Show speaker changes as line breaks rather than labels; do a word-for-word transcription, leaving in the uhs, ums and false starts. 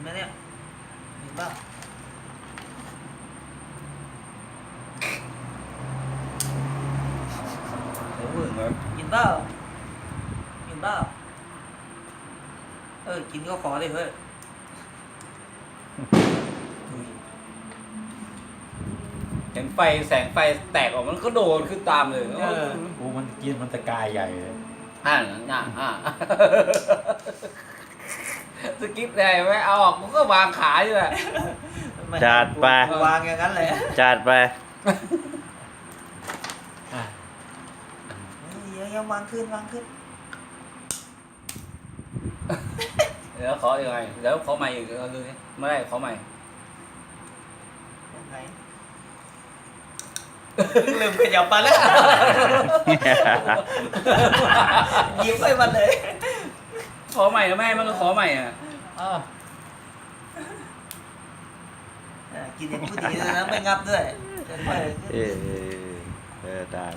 นะเนี่ยเห็นป่ะ
เดี๋ยวมึงเหรอ
กินเปล่ากินเปล่าเออกินก็ขอเลยเฮ้ย
เห็นไฟแสงไฟแตกออกมันก็โดนขึ้นตามเลย
เออ
โอ้มันกินมันตะกายใหญ่เลย
อ่าอ่าอ่าสกิปได้ไหมเอาออกมันก็วางขาอยู่แหละ
จัดไป
วางอย่างนั้นเลย
จัดไป
อ่ะ
เดี๋ยวยังวางขึ้นวางขึ้น
เดี๋ยวขอยังไงเดี๋ยวขอใหม่อีกเออดูสิไม่ได้ขอใหม่
ยังไงลืมขยับมาแล้วยิ้มให้มันเลย
ขอใหม่นะแม่มันก็ขอใหม่อ่ะ
อ้าว
เออกินอย่างผู้ดีเลยนะไม่งับด้วย
เออเออได้